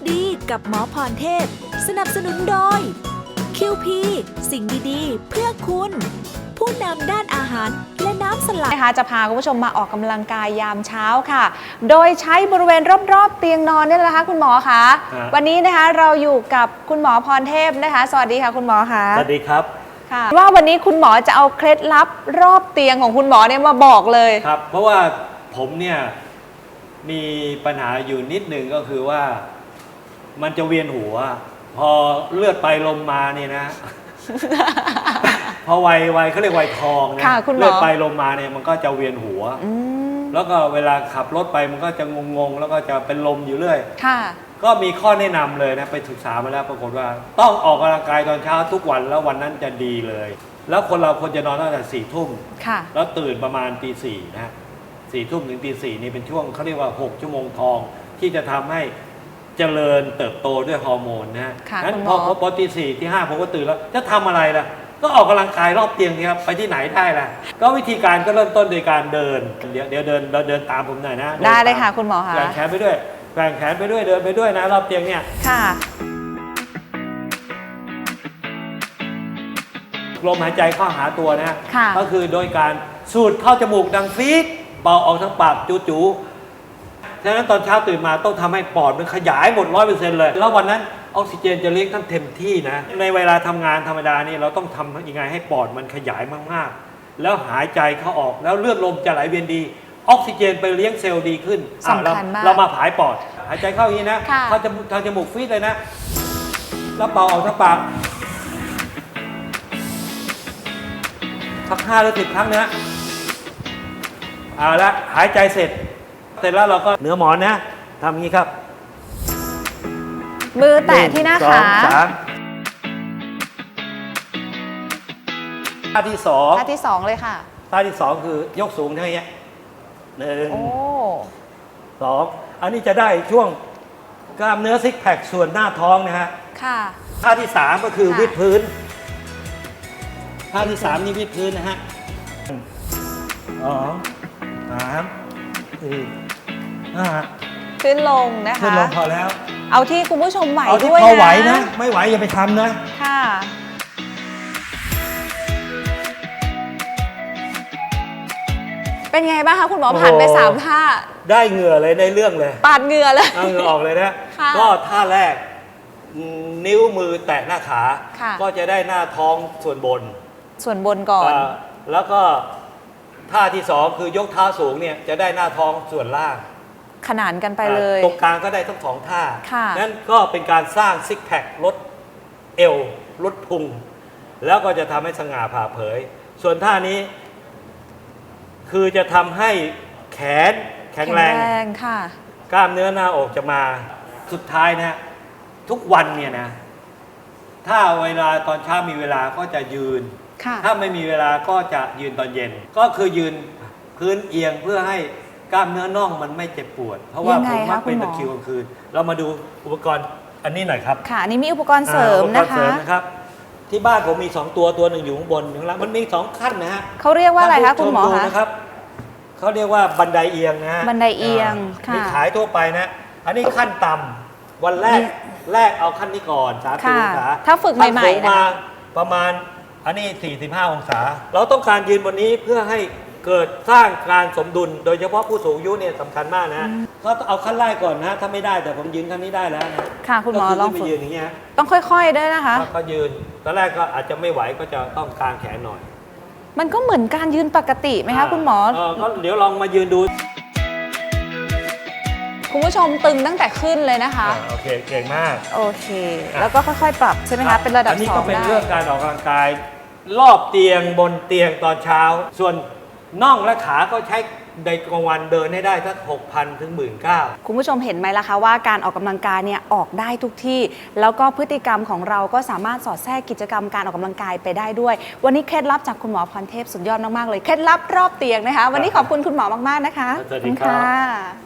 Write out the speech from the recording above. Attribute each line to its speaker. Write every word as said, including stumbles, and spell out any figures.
Speaker 1: ดีกับหมอพรเทพสนับสนุนโดย คิว พี สิ่งดีๆ เพื่อคุณผู้นำด้านอาหารและน้ำสลัด
Speaker 2: นะคะจะพาคุณผู้ชมมาออกกำลังกายยามเช้าค่ะ โดยใช้บริเวณรอบๆเตียงนอนนี่แหละนะคะคุณหมอคะวันนี้นะคะเราอยู่กับคุณหมอพรเทพนะคะสวัสดีค่ะคุณหมอคะ
Speaker 3: สวัสดีครับ
Speaker 2: ค่ะว่าวันนี้คุณหมอจะเอาเคล็ดลับรอบเตียงของคุณหมอเนี่ยมาบอกเลย
Speaker 3: ครับเพราะว่าผมเนี่ยมีปัญหาอยู่นิดหนึ่งก็คือว่ามันจะเวียนหัวพอเลือดไปลมมาเนี่ยนะ พอวัยวัยเขาเรียกวัยทองนะเลือดไปลมมาเนี่ยมันก็จะเวียนหัวแล้วก็เวลาขับรถไปมันก็จะงงๆแล้วก็จะเป็นลมอยู่เรื่อยก็มีข้อแนะนำเลยนะไปศึกษามาแล้วปรากฏว่าต้องออกกำลังกายตอนเช้าทุกวันแล้ววันนั้นจะดีเลยแล้วคนเราควรจะนอนตั้งแต่สี่ทุ่มแล้วตื่นประมาณตีสี่นะสี่ทุ่มถึงตีสี่นี่เป็นช่วงเขาเรียกว่าหกชั่วโมงทองที่จะทำให้เจริญเติบโตด้วยฮอร์โมนนะงั้นพอพอตีสี่ที่ห้าผมก็ตื่นแล้วจะทำอะไรล่ะก็ออกกำลังกายรอบเตียงครับไปที่ไหนได้ล่ะก็วิธีการก็เริ่มต้นโดยการเดินเดี๋ยวเดี๋ยวเดินเราเดินตามผมหน่อยนะ
Speaker 2: ได้เลยค่ะคุณหมอคะ
Speaker 3: แกว่งแขนไปด้วยแกว่งแขนไปด้วยเดินไปด้วยนะรอบเตียงเนี่ย
Speaker 2: ค่ะ
Speaker 3: ลมหายใจเข้าหาตัวนะก็คือโดยการสูดเข้าจมูกดังฟีดเป่าออกทางปากจู๋ๆฉะนั้นตอนเช้าตื่นมาต้องทำให้ปอดมันขยายหมดร้อยเปอร์เซ็นต์เลยแล้ววันนั้นออกซิเจนจะเลี้ยงทั้งเต็มที่นะในเวลาทำงานธรรมดานี่เราต้องทำยังไงให้ปอดมันขยายมากๆแล้วหายใจเข้าออกแล้วเลือดลมจะไหลเวียนดีออกซิเจนไปเลี้ยงเซลล์ดีขึ้น
Speaker 2: สำคัญมาก
Speaker 3: เรามาผายปอดหายใจเข้าอย่างนี้นะเข้าจมูกเข้าจมูกฟีดเลยนะแล้วเป่าออกทางปากสักห้าหรือสิบครั้งนะเอาละหายใจเสร็จเสร็จแล้วเราก็เหนือหมอนนะทำอย่างนี้ครับ
Speaker 2: มือแตะที่หน้าขา
Speaker 3: ท่าที่สอง
Speaker 2: ท่าที่สองเลยค่ะ
Speaker 3: ท่าที่สองคือยกสูงเท่านี้หนึ่งสองอันนี้จะได้ช่วงกล้ามเนื้อซิกแพคส่วนหน้าท้องนะฮะ
Speaker 2: ค่ะ
Speaker 3: ท่าที่สามก็คือวิดพื้นท่าที่สามนี่วิดพื้นนะฮะสองสามสี่ห้า
Speaker 2: ขึ้นลงนะคะ
Speaker 3: ขึ้นลงพอแล้ว
Speaker 2: เอาที่คุณผู้ชมไหวด้วยนะเอาที่
Speaker 3: พอไหวนะไม่ไหวอย่าไปทำนะ
Speaker 2: ค่ะเป็นไงบ้างคะคุณหมอผ่านไปสามท่า
Speaker 3: ได้เหงื่อเลยได้เรื่องเลย
Speaker 2: ปาดเหงื่อเลย
Speaker 3: เอาเหงื่อออกเลยนะก็ท่าแรกนิ้วมือแตะหน้าขาก็จะได้หน้าท้องส่วนบน
Speaker 2: ส่วนบนก่อน
Speaker 3: แล้วก็ท่าที่สองคือยกเท้าสูงเนี่ยจะได้หน้าท้องส่วนล่าง
Speaker 2: ขนานกันไปเลย
Speaker 3: ตรงกลางก็ได้ทั้งสองท่านั่นก็เป็นการสร้างซิกแพคลดเอวลดพุงแล้วก็จะทำให้สง่าผ่าเผยส่วนท่านี้คือจะทำให้แขนแข็งแรง
Speaker 2: ค่ะ
Speaker 3: กล้ามเนื้อหน้าอกจะมาสุดท้ายนะทุกวันเนี่ยนะถ้าเวลาตอนเช้ามีเวลาก็จะยืนถ้าไม่มีเวลาก็จะยืนตอนเย็นก็คือยืนพื้นเอียงเพื่อให้กล้ามเนื้อน่องมันไม่เจ็บปวดเพราะว่าผมมักเป็นตะคริวกลางคืนเรามาดูอุปกรณ์อันนี้หน่อยครับ
Speaker 2: ค่ะอันนี้มีอุปกรณ์เสริมนะคะ
Speaker 3: นะครับที่บ้านผมมีสองตัวตัวหนึ่งอยู่ข้างบนข้างล่างมันมีสองขั้นนะฮะ
Speaker 2: เขาเรียกว่าอะไรคะคุณหมอคะ
Speaker 3: นะครับเขาเรียกว่าบันไดเอียงนะ
Speaker 2: บันไดเอียง
Speaker 3: มีขายทั่วไปนะอันนี้ขั้นต่ำวันแรกแรกเอาขั้นนี้ก่อนสามสิบองศา
Speaker 2: ถ้าฝึกใหม่ๆ
Speaker 3: มาประมาณอันนี้สี่สิบห้าองศาเราต้องการยืนบนนี้เพื่อให้เกิดสร้างการสมดุลโดยเฉพาะผู้สูงอายุเนี่ยสำคัญมากนะก็เอาขั้นแรกก่อนนะถ้าไม่ได้แต่ผมยืนขั้นนี้ได้แล้วนะ
Speaker 2: ค่ะคุณหมอลองฝึก
Speaker 3: ยืนอย่างเงี้ย
Speaker 2: ต้องค่อยๆด้วยนะคะ
Speaker 3: ก็ยืนตอนแรกก็อาจจะไม่ไหวก็จะต้องกางแขนหน่อย
Speaker 2: มันก็เหมือนการยืนปกติไหมคะคุณหมอ
Speaker 3: ก็เดี๋ยวลองมายืนดู
Speaker 2: คุณผู้ชมตึงตั้งแต่ขึ้นเลยนะคะ
Speaker 3: โอเคเก่งมาก
Speaker 2: โอเคแล้วก็ค่อยๆปรับใช่ไหมคะเป็นระดับสองได้อันนี้ก็
Speaker 3: เป็นเรื่องการออกกำลังกายรอบเตียงบนเตียงตอนเช้าส่วนน่องและขาก็ใช้ในกลางวันเดินให้ได้สัก หกพัน ถึง หนึ่งหมื่นเก้าพัน
Speaker 2: คุณผู้ชมเห็นไหมล่ะคะว่าการออกกำลังกายเนี่ยออกได้ทุกที่แล้วก็พฤติกรรมของเราก็สามารถสอดแทรกกิจกรรมการออกกำลังกายไปได้ด้วยวันนี้เคล็ดลับจากคุณหมอพรเทพสุดยอดมากๆเลยเคล็ดลับรอบเตียงนะคะวันนี้ขอบคุณคุณหมอมากๆนะคะ
Speaker 3: สวัสดีครับ